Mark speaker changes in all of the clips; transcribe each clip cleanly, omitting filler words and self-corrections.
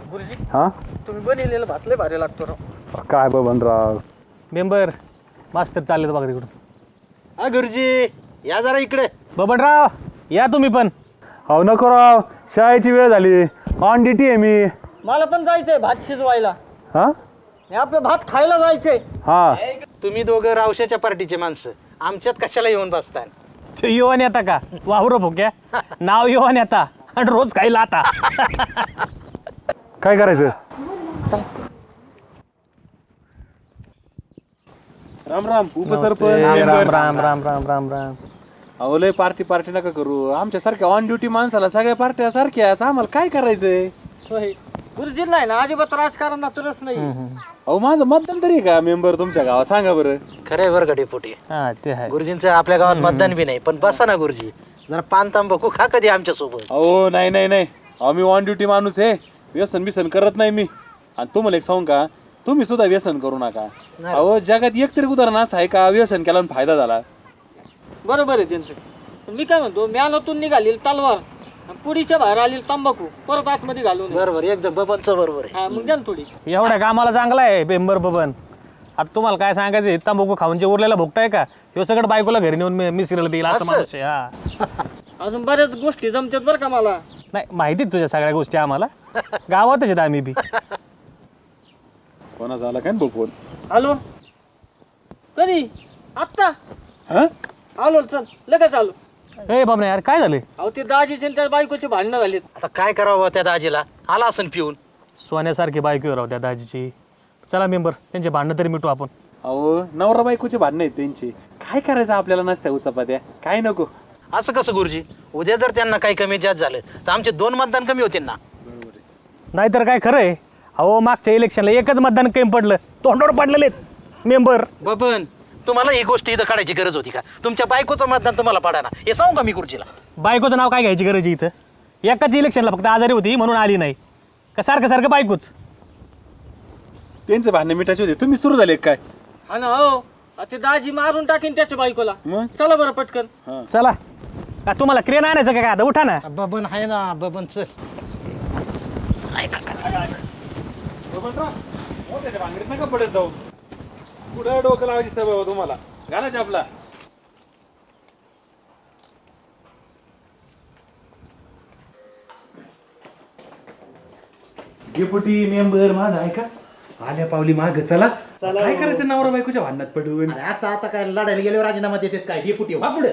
Speaker 1: गुरुजी
Speaker 2: हा
Speaker 1: तुम्ही बनवलेलं भात लय भारी लागतो राव.
Speaker 2: काय बबनराव
Speaker 3: मेंबर मास्तर चालले बघा तिकडून.
Speaker 1: हा गुरुजी या जरा इकडे.
Speaker 3: बबनराव या तुम्ही पण.
Speaker 2: अहो नको राव, शाळेची वेळ झाली, ऑन ड्युटी आहे मी.
Speaker 1: मला पण जायचंय भात शिजवायला.
Speaker 2: हा
Speaker 1: हे आपलं भात खायला जायचंय.
Speaker 2: हा
Speaker 1: तुम्ही दोघं रावशाच्या पार्टीचे माणसं आमच्यात कशाला येऊन बसताय?
Speaker 3: ते युवान येता का वावर भोक्या नाव युवान येता आणि रोज खायला आता.
Speaker 2: काय करायचं?
Speaker 4: राम राम उपसरपंच
Speaker 3: राम
Speaker 4: मेंबर.
Speaker 3: राम राम राम राम राम.
Speaker 4: अहो लय पार्टी नका करू. आमच्या सारख्या ऑन ड्युटी माणसाला सगळ्या पार्ट्या सारख्याच. आम्हाला काय करायचंय?
Speaker 1: होय गुरुजी नाही ना अजिबात राजकारणात रस नाही.
Speaker 4: अहो माझं मतदान तरी आहे का मेंबर तुमच्या गावात? सांगा बरं.
Speaker 1: खरे बरं गडी पोटी
Speaker 3: हा ते आहे.
Speaker 1: गुरुजींचं आपल्या गावात मतदान बी नाही पण बसा ना गुरुजी जरा पान तांबाखू खा कधी आमच्या सोबत.
Speaker 4: अहो नाही अहो मी ऑन ड्युटी माणूस आहे. व्यसन बिसन करत नाही मी. आणि तुम्हाला एक सांगू का, तुम्ही सुद्धा व्यसन करू नका. अहो जगात एक तरी उदाहरण असं आहे का व्यसन केला आणि फायदा झाला?
Speaker 1: बरोबर आहे त्यांचं. पण मी काय म्हणतो म्यानातून निघालेली तलवार पुडीच्या बाहेर आलेली तंबाखू परत आतमध्ये घालून. बरोबर एकदम बबनचं बरोबर आहे. हा मग द्या ना थोडी.
Speaker 3: एवढ्या कामाला चांगला आहे मेंबर बबन. आता तुम्हाला काय सांगायचं, तांबाखू खाऊन जे उरलेला भोगताय का ह्यो सगळं बायकोला घरी नेऊन मिसरीला देईल असं
Speaker 1: असं?
Speaker 3: माणूस आहे. हा
Speaker 1: अजून बऱ्याच गोष्टी जमतात बरं का मला.
Speaker 3: नाही माहिती आहे तुझ्या सगळ्या गोष्टी आम्हाला. गावातच आहेत आम्ही बी.
Speaker 4: कोणा झाला काय ना फोन?
Speaker 1: हॅलो कधी आत्ता
Speaker 4: हा
Speaker 1: आलो चल लगेच आलो.
Speaker 3: ए बाबा यार काय झाले?
Speaker 1: अहो ते दाजीचे आणि त्या बायकोचे भांडणं झालीत. आता काय करावं त्या दाजीला आला असं पिऊन.
Speaker 3: सोन्यासारखी बायको राव त्या दाजीची. चला मेंबर त्यांचे भांडणं तरी मिटू आपण.
Speaker 4: अहो नवरा बायकोचे भांडणं आहेत त्यांची. काय करायचं आपल्याला नसत्या उचापात्या? काय नको.
Speaker 5: असं कसं गुरुजी? उद्या जर त्यांना काही कमी जास्त झालं तर आमचे 2 मतदान कमी होतील ना.
Speaker 3: नाहीतर काय खरं आहे. अहो मागच्या इलेक्शनला एकच मतदान कमी पडलं, तोंडावर पडलेले मेंबर.
Speaker 5: बबन तुम्हाला ही गोष्ट इथं काढायची गरज होती का? तुमच्या बायकोचं मतदान तुम्हाला पडा ना हे सांगू का मी गुरुजीला?
Speaker 3: बायकोचं नाव काय घ्यायची गरज आहे इथं? एकाच इलेक्शनला फक्त आजारी होती म्हणून आली नाही का सारखं सारखं बायकोच?
Speaker 4: त्यांचे भांडणं मिटायचे होते, तुम्ही सुरू झाले काय?
Speaker 1: हा ना हो ते दाजी मारून टाकीन त्याच्या बायकोला.
Speaker 4: मग
Speaker 1: चला बरं पटकन.
Speaker 3: चला का तुम्हाला क्रेन आणायचं का? आता उठा ना.
Speaker 1: बबन आहे ना बबन चल.
Speaker 4: त्याच्या भांगडीत नका पडत जाऊ. पुढे डोकं लावायची सवय हो तुम्हाला. घालायची आपला. डेपुटी मेंबर माझा आहे का? आल्या पावली माग चला. काय करायचं नवरा बायकोच्या भांडणात पडून?
Speaker 6: असं आता काय लढायला गेल्यावर राजीनामा देतात काय? डेपुटी व्हा पुढे.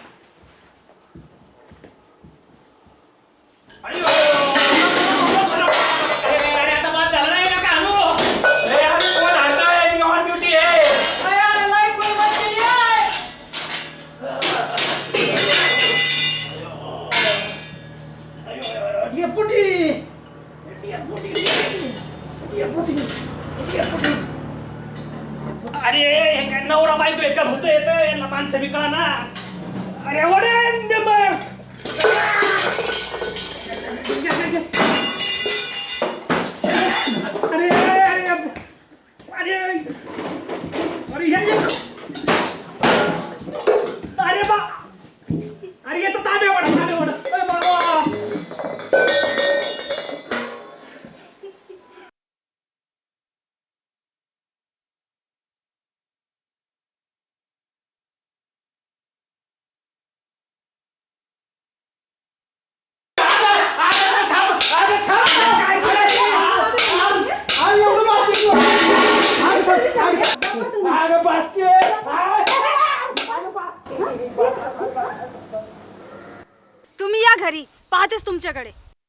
Speaker 3: अरे हे काय नवरा बायको आहेत का? भूत येत यांना माणसं बी कळा ना. अरे वडे मेंबर.
Speaker 7: तुम्ही या घरी, पाहतेच तुमच्याकडे.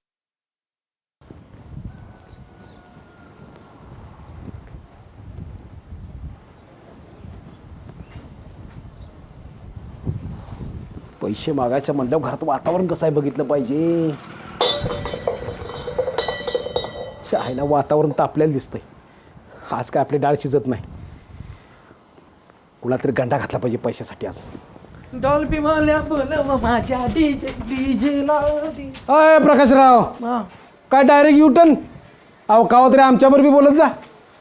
Speaker 6: पैसे मागायच्या म्हणल्यावर घरात वातावरण कसं आहे बघितलं पाहिजे. शाळेला वातावरण तर आपल्याला दिसतंय. आज काय आपली डाळ शिजत नाही. कुणा तरी गंडा घातला पाहिजे पैशासाठी आज.
Speaker 1: डॉल्फी माल्या बोलव माझ्या डीजे डीजे लावती.
Speaker 6: अय प्रकाशराव, काय डायरेक्ट युटर्न? अहो काव तरी आमच्यावर बी बोलत जा.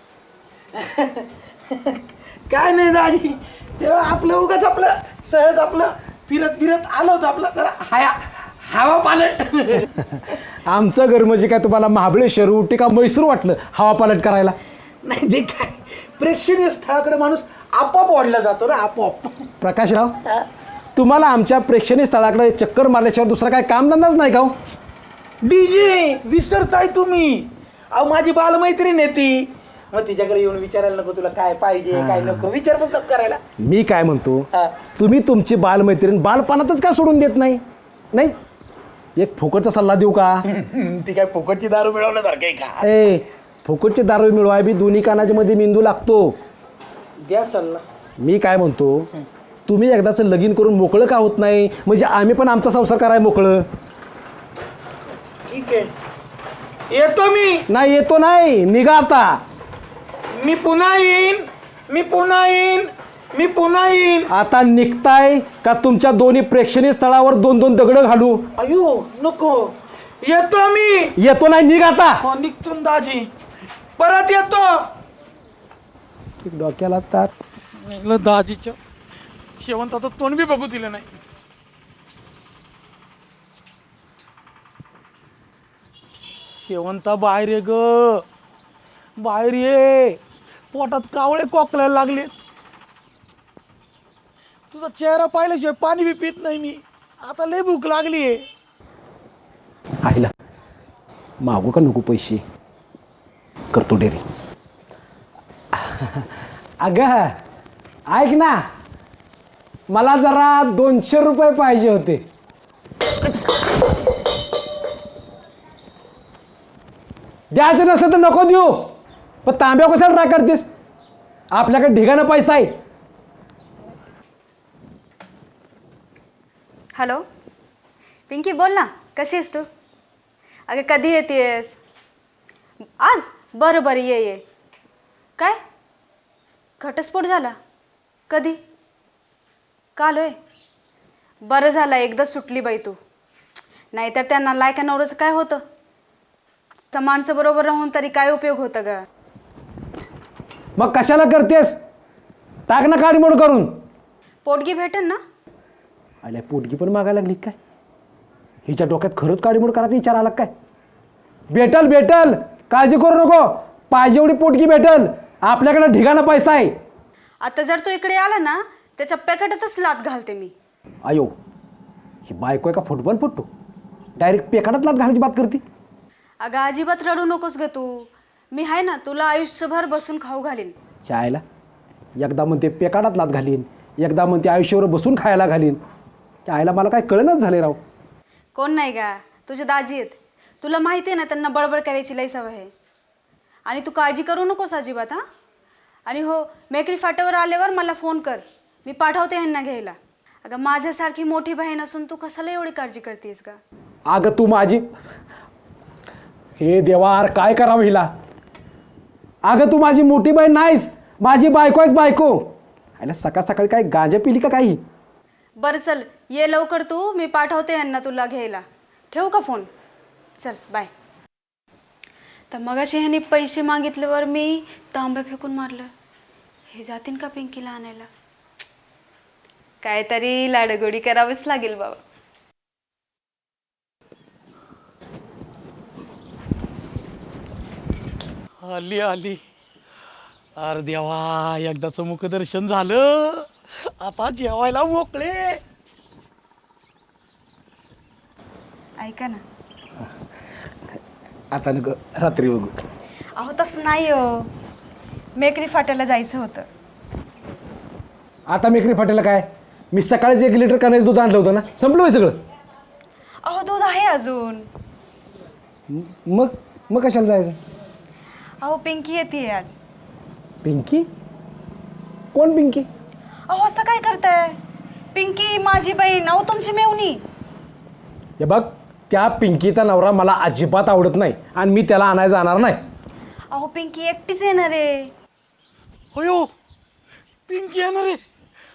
Speaker 1: काय नाही दाजी तेव्हा आपलं उगाच आपलं सहज आपलं फिरत फिरत आलो होतो आपलं जरा
Speaker 5: हवा पालट.
Speaker 6: आमचं घर म्हणजे काय तुम्हाला महाबळेश्वर उटी का म्हैसूर वाटलं हवा पालट करायला?
Speaker 5: नाही ते काय प्रेक्षणीय स्थळाकडे माणूस आपोआप वाढला जातो ना आपोआप.
Speaker 6: प्रकाशराव, तुम्हाला आमच्या प्रेक्षणीय स्थळाकडे चक्कर मारल्याशिवाय दुसरा काय कामधंदाच नाही का हो?
Speaker 5: डीजे विसरताय तुम्ही. अहो माझी बालमैत्रीण आहे ती. मग तिच्याकडे येऊन विचारायला नको तुला काय पाहिजे काय नको, विचारपूस नको करायला.
Speaker 6: मी काय म्हणतो,
Speaker 5: हा.
Speaker 6: तुम्ही तुमची बालमैत्रीण बालपणातच का सोडून देत नाही? नाही, एक फुकटचा सल्ला देऊ का?
Speaker 5: ती काय फुकटची दारू मिळवण्यासारखं आहे का?
Speaker 6: ए, फुकटची दारू मिळवाय बी दोन्ही कानाच्या मध्ये मेंदू लागतो.
Speaker 5: द्या सल्ला.
Speaker 6: मी काय म्हणतो, तुम्ही एकदाचं लगीन करून मोकळं का होत नाही? म्हणजे आम्ही पण आमचा संसार कराय मोकळं.
Speaker 5: ठीक आहे, येतो मी.
Speaker 6: नाही येतो नाही, निघा आता.
Speaker 5: मी पुन्हा येईन, मी पुन्हा येईन, मी पुन्हा येईन.
Speaker 6: आता निघताय का तुमच्या दोन्ही प्रेक्षणीय स्थळावर 2-2 दगडं घालू?
Speaker 5: अयो नको, येतो मी.
Speaker 6: येतो नाही, निघ आता.
Speaker 5: हो निघतो ना दाजी, परत येतो.
Speaker 6: डोक्याला तार.
Speaker 5: दाजीच्या शेवंताचं तोंड बी बघू दिलं नाही. शेवंता बाहेर ये ग, बाहेर ये. पोटात कावळे कोकलायला लागले. तुझा चेहरा पाहिल्याशिवाय पाणी बी पित नाही मी. आता लय भूक लागली आहे.
Speaker 6: आईला मागू का नको पैसे? करतो डेरी. अगं ऐक ना, मला जरा 200 रुपये पाहिजे होते. द्यायचं नसलं तर नको देऊ, पण तांब्या कशाला राग करतेस? आपल्याकडे ढिगाणं पैसा आहे.
Speaker 7: हॅलो पिंकी, बोल ना, कशी आहेस तू? अगं कधी येतेस? आज? बरं बरं, ये ये. काय घटस्फोट झाला? कधी? काल होय? बरं झालं एकदा सुटली बाई तू. नाहीतर त्यांना लायका नवऱ्याचं काय होतं? त्या माणसं बरोबर राहून तरी काय उपयोग होतं ग?
Speaker 6: मग कशाला करतेस? टाक ना काडीमोड करून.
Speaker 7: पोटगी भेटेल ना?
Speaker 6: आल्या पोटगी पण मागायला लागली काय? हिच्या डोक्यात खरंच काडीमोड करायचा विचार आला काय? भेटल भेटल, काळजी करू नको. पाहिजे एवढी पोटगी भेटल. आपल्याकडे ढिगाणा पैसा आहे.
Speaker 7: आता जर तू इकडे आला ना, त्याच्या पेकाटातच लात घालते मी.
Speaker 6: आयो, ही बायको आहे का फुटबॉल फुटतो? डायरेक्ट पेकाटात लात घालायची बात करते.
Speaker 7: अगं अजिबात रडू नकोस ग तू. मी आहे ना, तुला आयुष्यभर बसून खाऊ घालीन.
Speaker 6: चायला एकदा म्हणते पेकाटात लात घालीन, एकदा म्हणते आयुष्यावर बसून खायला घालीन. चायला मला काय कळेनाच झाले राव.
Speaker 7: कोण नाही का? तुझे दाजी आहेत. तुला माहिती आहे ना, त्यांना बडबड करायची लई सवय आहे. आणि तू काळजी करू नकोस अजिबात. हां, आणि हो, मेकरी फाट्यावर आल्यावर मला फोन कर, मी पाठवते ह्यांना घ्यायला. अगं माझ्यासारखी मोठी बहीण असून तू कशाला एवढी काळजी करतेस का?
Speaker 6: अगं तू माझी, हे देवार काय करावं हिला? अगं तू माझी मोठी बहीण नाहीस, माझी बायको आहेस बायको. आयला सकाळ सकाळी काय गांजा पिली का काही?
Speaker 7: बरं चल, ये लवकर तू, मी पाठवते ह्यांना तुला घ्यायला. ठेवू का फोन? चल बाय. तर मगाशी ह्याने पैसे मागितल्यावर मी तांब्या फेकून मारलं. हे जातीन का पिंकीला आणायला? काहीतरी लाडगोडी करावीच लागेल बाबा.
Speaker 5: आली आली. अरे देवा, एकदाचं मुखदर्शन झालं. आता जेवायला मोकळे.
Speaker 7: ऐका ना.
Speaker 6: आता नको, रात्री बघू.
Speaker 7: अहो तसं नाही हो, मेकरी फाट्याला जायचं होतं.
Speaker 6: आता मेकरी फाटेला काय? मी सकाळीच 1 लिटर कण्याचं दूध आणलं होतं ना, संपलं सगळं.
Speaker 7: अहो दूध आहे अजून.
Speaker 6: मग कशाला जायचं?
Speaker 7: अहो पिंकी येते आज.
Speaker 6: पिंकी? कोण पिंकी?
Speaker 7: अहो असं काय करताय? पिंकी माझी बहीण, अहो तुमची मेवणी.
Speaker 6: हे बघ, त्या पिंकीचा नवरा मला अजिबात आवडत नाही आणि मी त्याला आणायला जाणार नाही.
Speaker 7: अहो पिंकी एकटीच येणार आहे.
Speaker 5: होयो, पिंकी येणार आहे.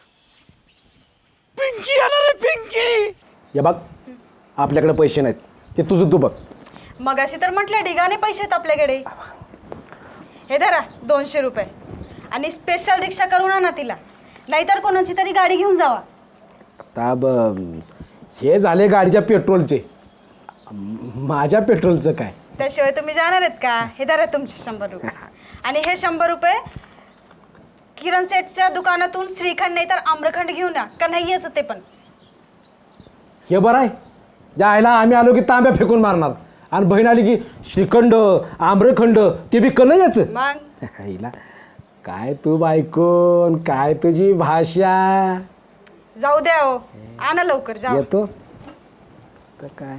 Speaker 5: पिंकी येणार आहे, पिंकी.
Speaker 6: हे बघ, आपल्याकडे पैसे नाहीत, ते तुझं तू बघ.
Speaker 7: मगाशी तर म्हटलं ढिगाने पैसे आहेत आपल्याकडे. हे धरा 200 रुपये आणि स्पेशल रिक्षा करून आणा तिला, नाहीतर कोणाची तरी गाडी घेऊन जावा.
Speaker 6: आता हे झाले गाडीच्या पेट्रोलचे, माझ्या पेट्रोलचं काय?
Speaker 7: त्याशिवाय तुम्ही जाणार आहेत का? हे धरा तुमचे 100 रुपये. आणि हे 100 रुपये किरण सेठच्या दुकानातून श्रीखंड नाही तर आम्रखंड घेऊन या, का नाही असं ते पण.
Speaker 6: हे बरं आहे, ज्या आईला आम्ही आलो की तांब्या फेकून मारणार आणि बहीण आली की श्रीखंड आम्रखंड ते बी कल याचं.
Speaker 7: मग
Speaker 6: आईला काय तू बायकोन, काय तुझी भाषा.
Speaker 7: जाऊ द्या हो, आणा लवकर जाऊ.
Speaker 6: येतो तर काय.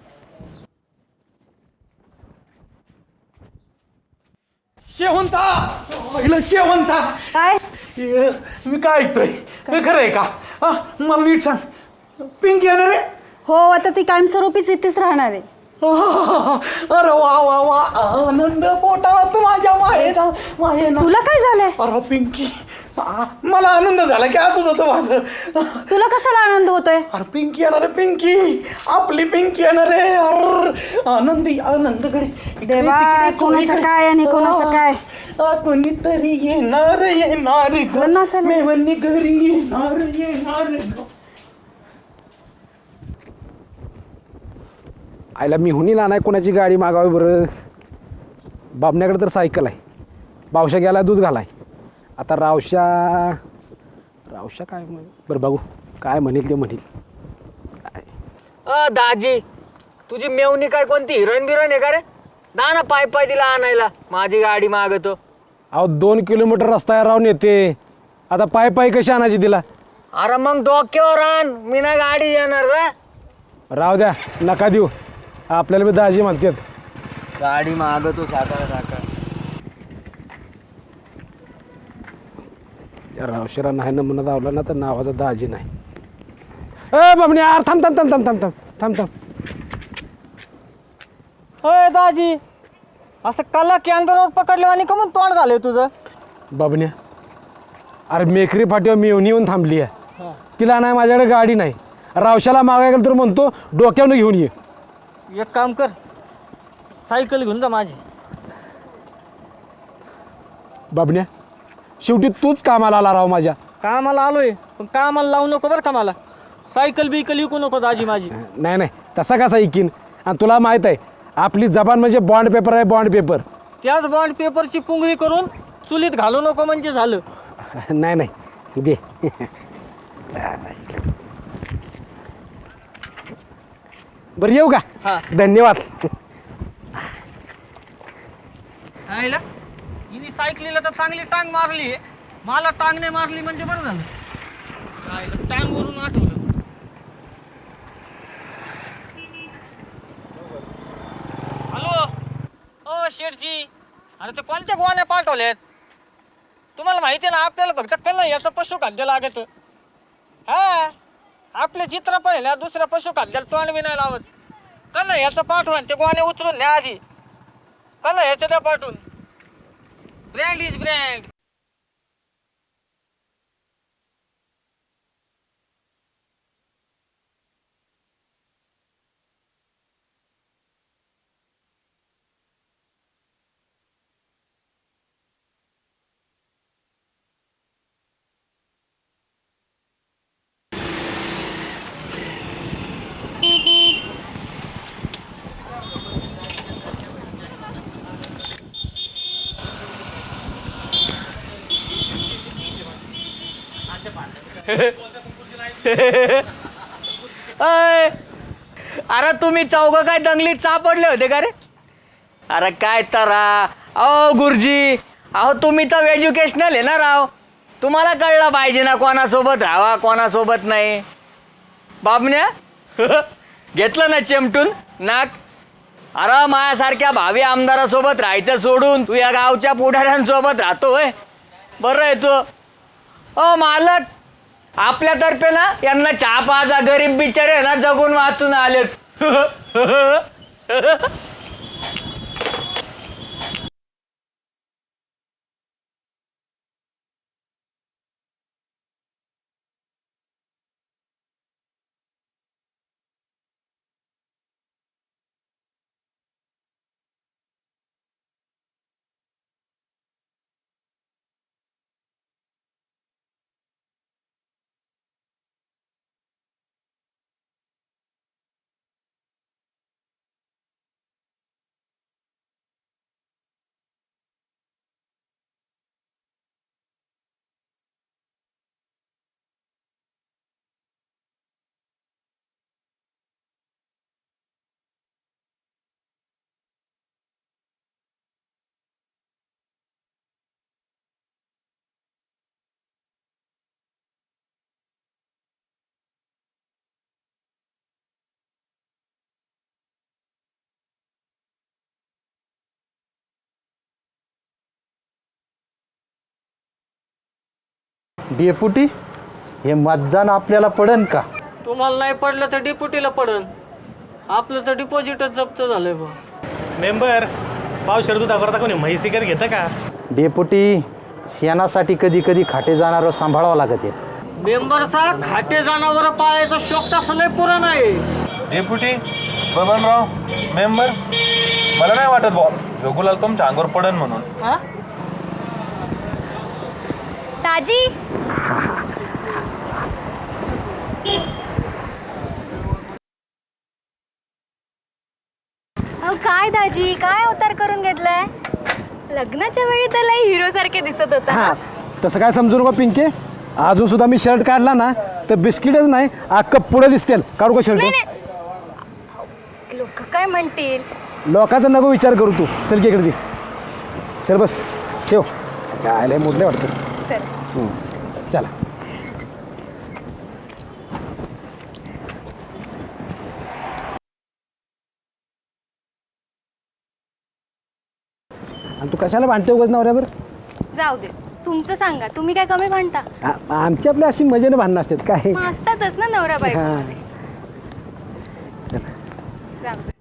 Speaker 5: शेवंता, पहिलं शेवंता.
Speaker 7: काय
Speaker 5: मी काय ऐकतोय हे खरं आहे का? हा, मला नीट सांग, पिंकी येणार आहे?
Speaker 7: हो, आता ती कायमस्वरूपीच इथेच राहणार आहे.
Speaker 5: अरे वा वा वा, आनंद पोटात माझ्या मायेना.
Speaker 7: तुला काय झालंय?
Speaker 5: अरे पिंकी, मला आनंद झाला की असंच होतं माझं.
Speaker 7: तुला कशाला आनंद होतोय?
Speaker 5: अरे पिंकी येणार आहे, पिंकी, आपली पिंकी येणार आहे. अरे आनंदी आनंदकडे
Speaker 7: देवा, कोणाचं काय आणि कोणाचं काय?
Speaker 5: कोणीतरी येणार येणार
Speaker 7: झालं ना असं?
Speaker 5: मेवणी घरी येणार येणार.
Speaker 6: आईला मी हुनीला नाही कोणाची गाडी मागावी बरं. बाबण्याकडे तर सायकल आहे, बावशा गेला दूध घालाय. आता रावशा काय बरं बघू काय म्हणेल ते म्हणेल.
Speaker 1: दाजी, तुझी मेवणी काय कोणती हिरोईन बिरोईन आहे का रे? ना पाय पाय तिला आणायला, माझी गाडी मागतो.
Speaker 6: अहो 2 किलोमीटर रस्ता राहून येते, आता पाय पाय कशी आणायची तिला?
Speaker 1: अरे मग डोक्यावर आण, मी ना गाडी येणार रे.
Speaker 6: राहू द्या, नका देऊ, आपल्याला बी दाजी म्हणतात.
Speaker 1: गाडी मागतो साखर साखर.
Speaker 6: या रावशेरा नाही ना म्हणत आवला ना तर नावाचा दाजी नाही. ए बाबणे यार, थांब थांब थांब थांब थांब थांब थांब थांब.
Speaker 1: होय दाजी, असं कला केंद्रावर पकडले आणि कमून तोंड झालंय तुझं?
Speaker 6: बाबण्या, अरे मेकरी फाटीवर मी येऊन थांबली आहे, तिला नाही माझ्याकडे गाडी नाही. रावशाला मागायला गेलं तर म्हणतो डोक्यावरून घेऊन ये.
Speaker 1: एक काम कर, सायकल घेऊन जा माझी.
Speaker 6: बाबण्या, शेवटी तूच कामाला आला राव माझ्या.
Speaker 1: कामाला आलोय, पण कामाला लावू नको बरं का मला. सायकल बिकल विकू नको दाजी माझी.
Speaker 6: नाही नाही, तसा कसा ऐकीन. आणि तुला माहीत आहे आपली जबान म्हणजे बॉन्ड पेपर आहे, बॉन्ड पेपर.
Speaker 1: त्याच बॉन्ड पेपरची पुंगळी करून चुलीत घालू नको म्हणजे झालं.
Speaker 6: नाही नाही दे. बरं येऊ का?
Speaker 1: हा.
Speaker 6: धन्यवाद.
Speaker 1: आईला हिने सायकलीला तर चांगली टांग मारली, मला टांग नाही मारली म्हणजे बरं झालं. आईला टांग वरून आठवलं. हॅलो, ओ शेठजी, अरे ते कोणत्या गोवाने पाठवल्यात? तुम्हाला माहिती आहे ना, आपल्याला फक्त कल याचं पशुखाद्य लागत. हा, आपले चित्र पहिल्या दुसऱ्या पशुखाद्याला तोंड बी नाही लावत. कल याचं पाठवून ते गोवाने उचलून न्या आधी. कल ह्याचं द्या पाठवून. Brand is brand. अरे तुम्ही चौघ काय दंगलीत सापडले होते का रे? अरे काय तरा, अहो गुरुजी, अहो तुम्ही तर एज्युकेशनल आहे ना राव, तुम्हाला कळलं पाहिजे ना कोणासोबत राहावा कोणासोबत नाही. बाबण्या घेतलं ना चिमटून नाक. अरे माझ्यासारख्या भावी आमदारासोबत राहायचं सोडून तू या गावच्या पुढाऱ्यांसोबत राहतोय. बरं आहे तू. ओ मालक, आपल्यातर्फे ना यांना चहा पाजा, गरीब बिचारे ना जगून वाचून आलेत.
Speaker 8: डेपुटी हे मतदान आपल्याला पडन का?
Speaker 1: तुम्हाला नाही पडलं तर डिप्युटीला पडन. आपलं तर डिपॉझिटच जप्त झालंय बा.
Speaker 3: मेंबर पाव शरदू करता कोणी म्हैस विकत घेतं का?
Speaker 8: डेपुटी शेणासाठी कधी कधी खाटे जाणारं सांभाळावं लागत आहे.
Speaker 1: मेंबरचा खाटे जनावर पाळायचा शोक तसं लय पुरा नाही.
Speaker 4: डेप्युटी बबनराव मेंबर मला नाही वाटत भाऊ ह्यो गुलाल तुमच्या अंगावर पडन म्हणून.
Speaker 7: ताजी अहो काय दाजी काय अवतार करून घेतलाय. लग्नाच्या वेळी तर लई हिरो सारखे दिसत होता
Speaker 6: हा
Speaker 7: ना.
Speaker 6: तसं काय समजू नका पिंके. अजून सुद्धा मी शर्ट काढला ना तर बिस्किटच नाही अख्खं पुढे दिसतील. काढू का शर्ट?
Speaker 7: नाही नाही लोक काय म्हणतील.
Speaker 6: लोकांचा नको विचार करू तू. चल की इकडे दे. चल बस ठेव. काय लय मोडले वाटतं.
Speaker 7: चल
Speaker 6: चला. आणि तू कशाला भांडते उगाच नवऱ्यावर?
Speaker 7: जाऊ दे तुमचं सांगा. तुम्ही काय कमी म्हणता.
Speaker 6: आमची आपल्या अशी मजेने भांडणं असतात काय.
Speaker 7: मग असतातच ना नवरा बायको
Speaker 6: हा.
Speaker 7: मध्ये. जाऊ दे.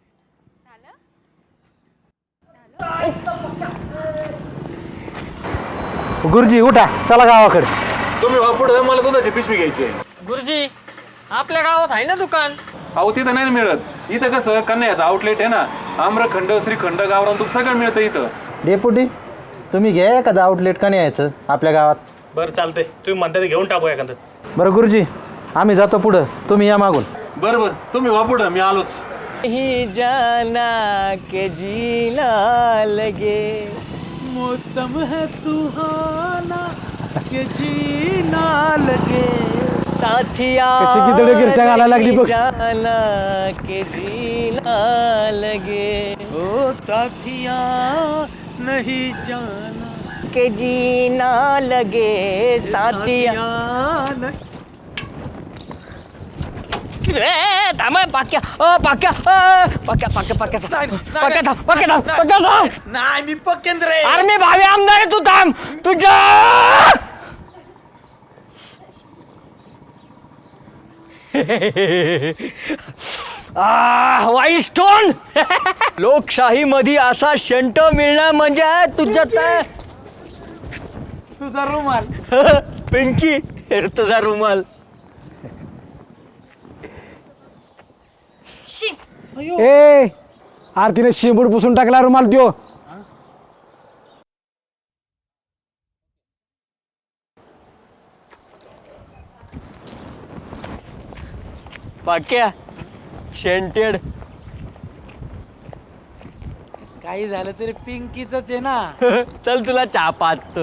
Speaker 8: गुरुजी उठा चला गावाकडे.
Speaker 4: तुम्ही पुढे मला दुधाची पिशवी घ्यायची आहे.
Speaker 1: गुरुजी आपल्या गावात आहे ना दुकान.
Speaker 4: अहो तिथं नाही मिळत. इथं कसं कन्याचं आउटलेट आहे ना. आम्रखंड श्रीखंड गावरान तूप सगळं मिळतं इथं.
Speaker 8: डेपुटी तुम्ही घ्या एखादं आउटलेट का नाही यायचं आपल्या गावात.
Speaker 3: बरं चालतंय तुम्ही म्हणता ते घेऊन टाकू एखादं.
Speaker 8: बरं गुरुजी आम्ही जातो पुढं तुम्ही या मागून.
Speaker 4: बरं बरं तुम्ही वा पुढं मी आलोच.
Speaker 1: ही जाना के जीना लगे
Speaker 5: मौसम है सुहाना के जीना लगे.
Speaker 1: साथिया
Speaker 6: कशी गिदडे गिरट्या घालायला लागली बघ.
Speaker 1: जाना के जीना लगे
Speaker 5: ओ साथिया नहीं जाना
Speaker 1: के जीना लगे साथिया. थांब पाक्या पाक्या पाक्या पाक्या पाक्या पाक्या थांब पाक्या थांब पाक्या थांब.
Speaker 5: नाही मी पकेंद्र आहे.
Speaker 1: अरे मी भावी आमदार आहे. तू थांब तुझ्या व्हाईट स्टोन. लोकशाही मध्ये असा शंट मिळणं म्हणजे तुझ्यात
Speaker 5: तुझा रुमाल.
Speaker 1: पिंकी तुझा रुमाल.
Speaker 6: ए आरतीने शेंबूड पुसून टाकला रुमाल त्यो.
Speaker 1: पाक्या शेंटेड.
Speaker 5: काही झालं तरी पिंकीच आहे ना.
Speaker 1: चल तुला चहा पाचतो.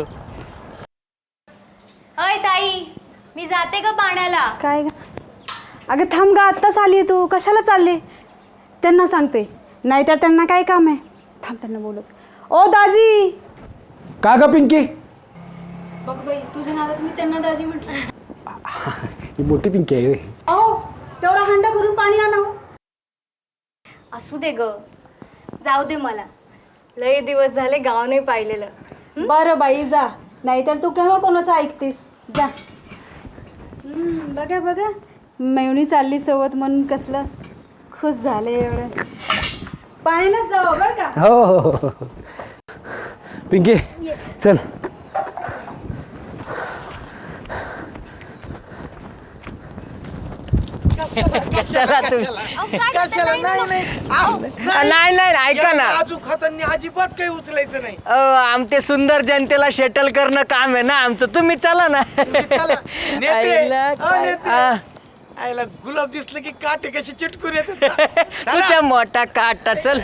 Speaker 7: अय ताई मी जाते का पाण्याला.
Speaker 9: काय ग? अगं थांब ग आत्ताच आली तू. कशाला चालले? त्यांना सांगते नाहीतर त्यांना काय काम आहे. थांब त्यांना बोलत. ओ दाजी.
Speaker 6: का ग पिंकी?
Speaker 9: बघ बाई तुझ्या नादात मी त्यांना दाजी म्हटलं.
Speaker 6: ही मोठी पिंकी आहे.
Speaker 9: अहो तेवढा हंडा भरून पाणी आणा.
Speaker 7: असू दे ग. जाऊ दे मला. लय दिवस झाले गाव नाही पाहिलेलं.
Speaker 9: बरं बाई जा. नाहीतर तू केव्हा कोणाचं ऐकतेस. जा. बघा बघा मेवणी चालली सोबत म्हणून कसलं खुश झाले एवढं. पाण्यालाच जाऊ बरं का.
Speaker 6: हो हो हो. पिंकी चल.
Speaker 1: कशाला तुम्ही
Speaker 5: कशाला नाही
Speaker 1: नाही नाही ऐका ना.
Speaker 5: काजू खाताना अजिबात काही उचलायचं नाही.
Speaker 1: आमचे सुंदर जनतेला शेटल करणं काम आहे ना आमचं. तुम्ही चला ना.
Speaker 5: नेते,
Speaker 1: आईला
Speaker 5: नेते.
Speaker 1: आ,
Speaker 5: आईला गुलाब दिसलं की काटे कशी चिटकून येतात.
Speaker 1: तुझ्या मोठा काटा. चल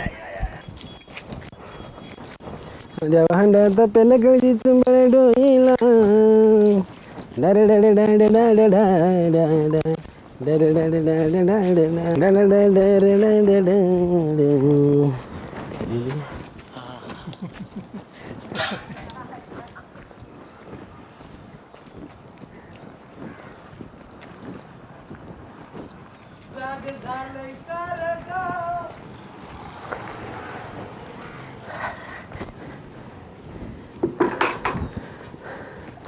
Speaker 6: भांड्यात पेलं गळी तुंबळ डोईला.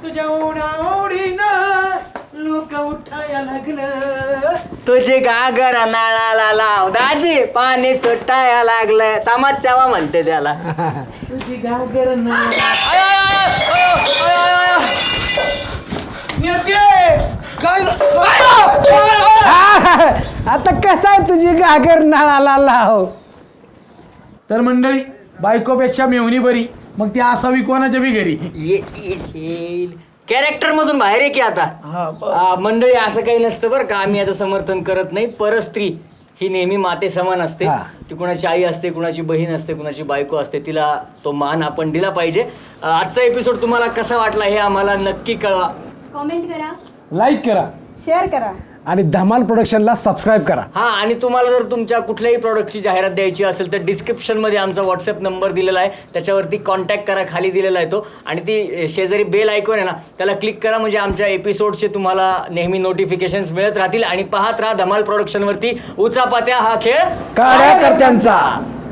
Speaker 5: तुझ्या ओढीनं लोक उठाया लागलं.
Speaker 1: तुझे घागर नाळाला लाव दाजी पाणी सुटाया लागलं. समाज चावा म्हणते त्याला.
Speaker 5: तुझी घागर
Speaker 1: आय, आय, आय, आय, आय, आय, आय.
Speaker 5: काय
Speaker 6: आता कसं आहे तुझी घागर नाळाला लाव.
Speaker 5: तर मंडळी बायकोपेक्षा मेवणी बरी, मग ती असावी कोणाच्या बी घरी.
Speaker 1: कॅरेक्टर मधून बाहेर आहे की आता. मंडळी असं काही नसतं बरं का. आम्ही याचं समर्थन करत नाही. परस्त्री ही नेहमी माते समान असते.
Speaker 6: हा.
Speaker 1: ती कुणाची आई असते, कुणाची बहीण असते, कुणाची बायको असते. तिला तो मान आपण दिला पाहिजे. आजचा एपिसोड तुम्हाला कसा वाटला हे आम्हाला नक्की कळवा.
Speaker 7: कॉमेंट करा.
Speaker 6: लाईक करा
Speaker 9: शेअर करा.
Speaker 6: आणि धमाल प्रोडक्शनला सबस्क्राईब करा.
Speaker 1: हा, आणि तुम्हाला जर तुमच्या कुठल्याही प्रॉडक्टची जाहिरात द्यायची असेल तर डिस्क्रिप्शनमध्ये आमचा व्हॉट्सअप नंबर दिलेला आहे. त्याच्यावरती कॉन्टॅक्ट करा, खाली दिलेला आहे तो. आणि ती शेजारी बेल आयकॉन आहे ना, त्याला क्लिक करा म्हणजे आमच्या एपिसोडचे तुम्हाला नेहमी नोटिफिकेशन्स मिळत राहतील. आणि पाहत राहा धमाल प्रोडक्शनवरती उचापात्या हा खेळ
Speaker 6: कार्यकर्त्यांचा.